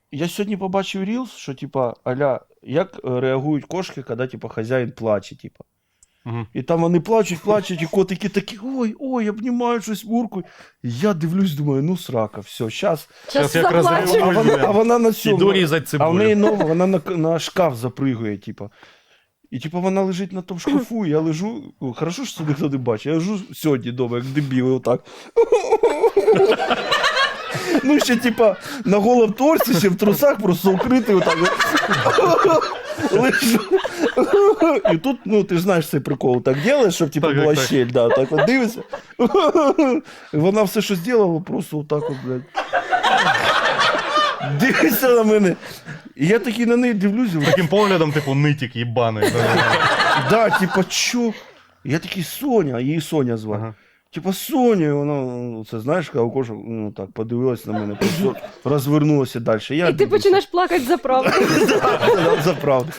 я сьогодні побачив рілс, що, типа, аля, як реагують кошки, коли, типа, хазяїн плаче, типа. Угу. І там вони плачуть, і котики такі, ой, обнімають щось, муркують. І я дивлюсь, думаю, ну срака, все, щас. Щас як заплачу. розриваю. А вона на Іду цьому, різати а в неї цибулю. нова, вона на шкаф запригує, типа. І типа вона лежить на тому шкафу, і я лежу, хорошо, що це ніхто не бачить, я лежу сьогодні дома, як дебіл, отак. Ну, ще, типа, на голому торці, ще в трусах, просто укритий отак. Лежу. І тут, ну, ти ж знаєш цей прикол, так робиш, щоб, типа, Так, була так. щель, да, так от дивишся. І вона все, що зробила, просто отак от, блядь. Дивиться на мене. І я такий на неї дивлюсь, Таким поглядом, типу, нитік їбаний. да, типа, чо? Я такий Соня, а її Соня звати. Ага. Типа Соня, і вона, ну, це знаєш, коли кошок, ну так, подивилась на мене, просто розвернулася далі. Я І ти починаєш плакати за правду. за правду.